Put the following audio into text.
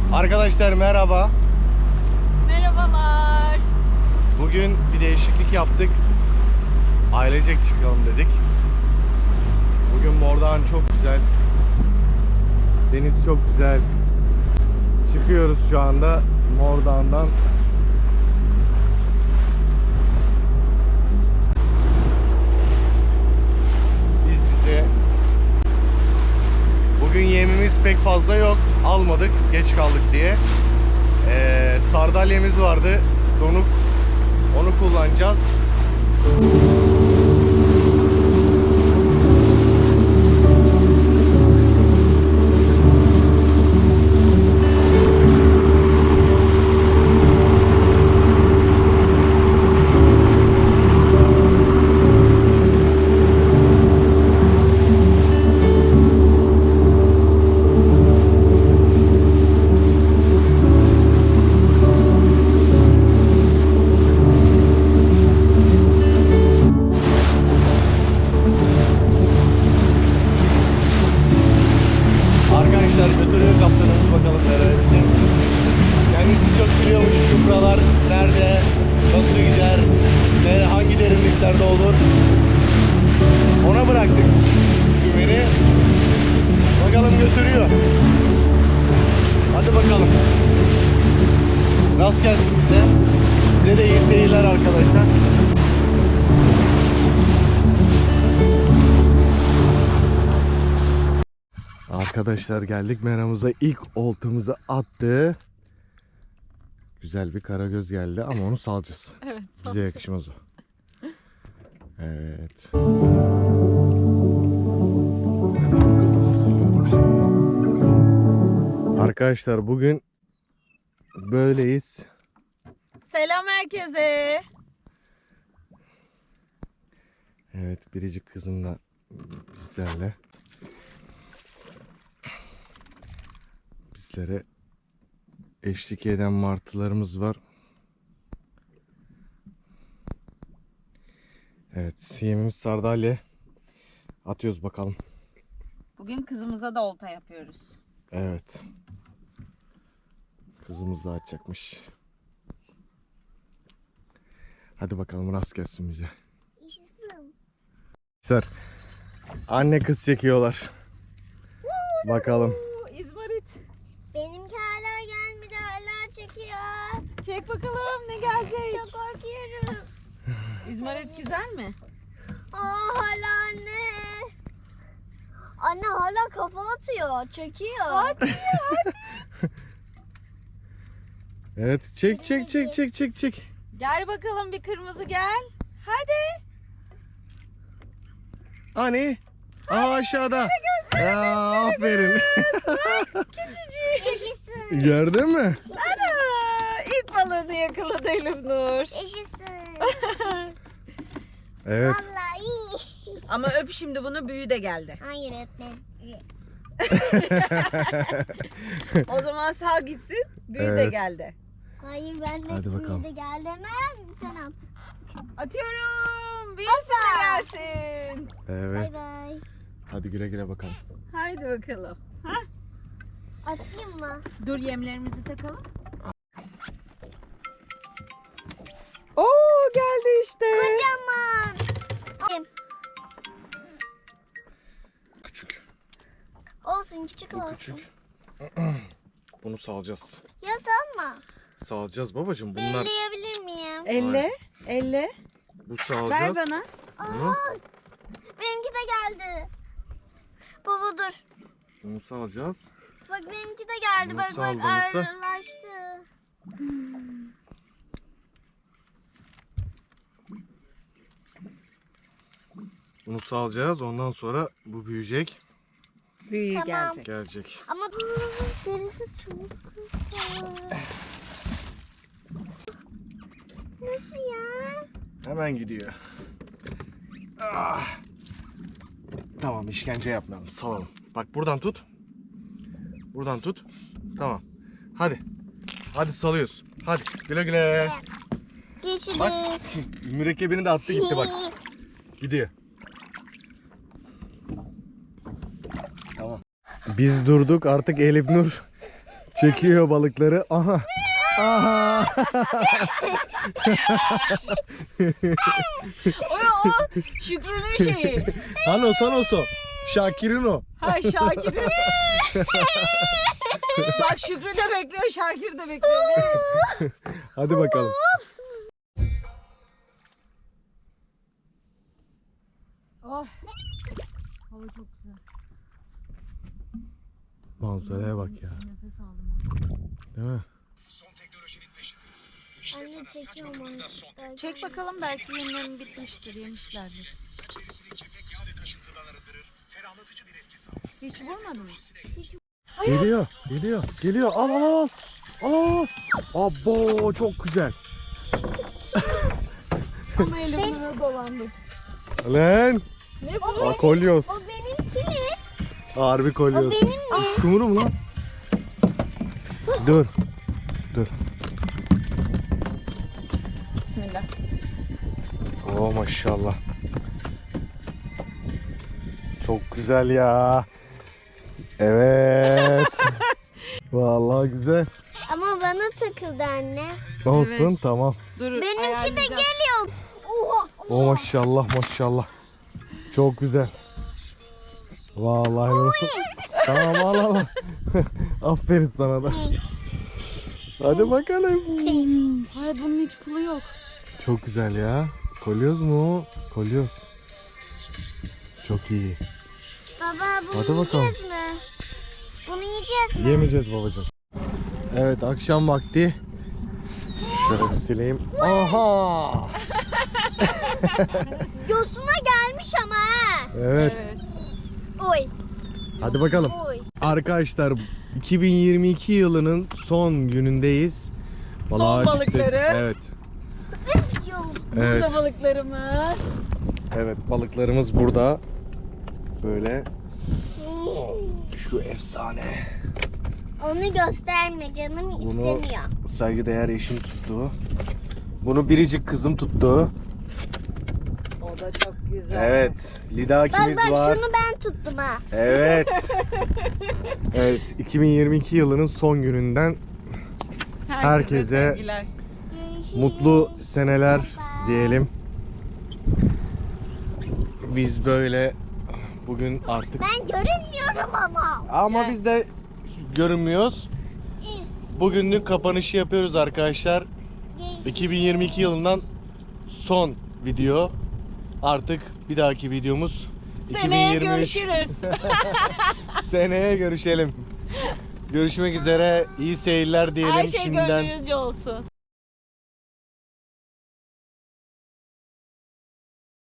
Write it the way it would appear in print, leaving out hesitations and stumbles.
Arkadaşlar merhaba. Merhabalar. Bugün bir değişiklik yaptık. Ailecek çıkalım dedik. Bugün Mordoğan çok güzel. Deniz çok güzel. Çıkıyoruz şu anda Mordoğan'dan. Bize bugün yemimiz pek fazla yok. Almadık geç kaldık diye. Sardalyemiz vardı. Donuk. Onu kullanacağız. Götürüyor kaptanımız bakalım nereye. Kendisi çok biliyormuş şu buralar nerede, nasıl gider, hangi derinliklerde olur. Ona bıraktık güveni. Bakalım götürüyor. Hadi bakalım. Rast gelsin bize. Size de iyi seyirler arkadaşlar. Arkadaşlar geldik meramıza, ilk oltamızı attı. Güzel bir karagöz geldi ama onu salacağız. Evet. Bize yakışmaz o. Evet. Arkadaşlar bugün böyleyiz. Selam herkese. Evet, biricik kızım da bizlerle. Bizlere eşlik eden martılarımız var. Evet, yemimiz sardalya. Atıyoruz bakalım. Bugün kızımıza da olta yapıyoruz. Evet. Kızımız da atacakmış. Hadi bakalım rast gelsin bize. Arkadaşlar, anne kız çekiyorlar. Bakalım. İzmarit. Benimki hala gelmedi, hala çekiyor. Çek bakalım ne gelecek. Çok korkuyorum. İzmarit güzel mi? Hala anne. Anne hala kafa atıyor, çekiyor. Hadi. Evet, çek. Gel bakalım bir kırmızı gel. Hadi. Hani? Aşağıda. Aa, aferin. Küçücük. Yaşasın. Gördün mü? Ana. İlk balığını yakaladı Elifnur. Yaşasın. Evet. Vallahi iyi. Ama öp şimdi bunu, büyü de geldi. Hayır öpmem. O zaman sal gitsin. Büyü de Evet. Hayır geldi. ben de Hadi bakalım. de gel demem. Sen at. Atıyorum. Büyüsün de gelsin. Evet. Bay bay. Hadi güle güle bakalım. Haydi bakalım. Atayım mı? Dur yemlerimizi takalım. Oo geldi işte. Kocaman. Küçük. Olsun, küçük Bu olsun. küçük. Bunu salacağız. Ya sanma. Salacağız babacığım. Bunlar Belleyebilir miyim? Elle. Elle. bu Ver salacağız. bana. Bunu, Benimki de geldi. Baba dur. bunu salacağız. Bak benimki de geldi. Bunu Bak saldığımızda- ağırlaştı. Bunu salacağız. Ondan sonra bu büyüyecek. Büyüğü Tamam. gelecek. Gelecek. Ama derisi çok güzel. Nasıl ya? Hemen gidiyor. Ah. Tamam, işkence yapmayalım. Salalım. Bak buradan tut. Buradan tut. Tamam. Hadi. Hadi salıyoruz. Hadi güle güle. Bak Geçiriz. mürekkebini de attı gitti bak. Gidiyor. Tamam. Biz durduk, artık Elif Nur Çekiyor balıkları. Aha. Aha. O Şükrü'nün şeyi. Hanos o. Şakir'in o. Ha Şakir'in. Bak Şükrü de bekliyor, Şakir de bekliyor. Hadi bakalım. Oh. Hava çok güzel. Manzaraya bak ya. Nefes aldım. Değil mi? Anne çekiyorum onu. Çek bakalım, belki yemlerim bitmiştir, yemişlerdir. Hiç vurmadın mı? Geliyor. Al. Abo çok güzel. Ama elimle dolandı. Lan. Ne bu? Akolyoz. O benimki ne? Harbi kolyoz. O benim mi? Iskumru mu lan? Dur. Bismillah. Oh maşallah. Çok güzel ya. Evet. Vallahi güzel. Ama bana takıldı anne. Olsun Evet. tamam. Dur, Benimki de geliyor. Oha. Oh maşallah. Çok güzel. Vallahi olsun. Tamam al. Aferin sana da. Hadi bakalım. Ay bunun hiç pulu yok. Çok güzel ya. Kolyoz mu? Kolyoz. Çok iyi. Baba bunu Hadi bakalım. yiyeceğiz mi? Bunu yiyeceğiz mi? Yemeyeceğiz babacığım. Evet akşam vakti. Şöyle bir sileyim. Aha! Yosuna gelmiş ama ha. Evet. Oy. Hadi bakalım. Oy. Arkadaşlar 2022 yılının son günündeyiz. Son Balığa çıktık. balıkları. Evet. Burada balıklarımız. Evet balıklarımız burada. Böyle şu efsane. Onu gösterme canım Bunu istemiyor. saygıdeğer eşim tuttu. Bunu biricik kızım tuttu. O da çok güzel. Evet. Lidakimiz Bak var. şunu ben tuttum ha. Evet. Evet 2022 yılının son gününden herkese sevgiler. mutlu seneler diyelim. Biz böyle bugün artık Ben görünmüyorum ama. biz de görünmüyoruz. Bugünlük kapanışı yapıyoruz arkadaşlar. 2022 yılından son video. Artık bir dahaki videomuz Seneye 2023. görüşürüz. Seneye görüşelim. Görüşmek üzere. İyi seyirler diyelim Her şey şimdiden. gönlünüzce olsun.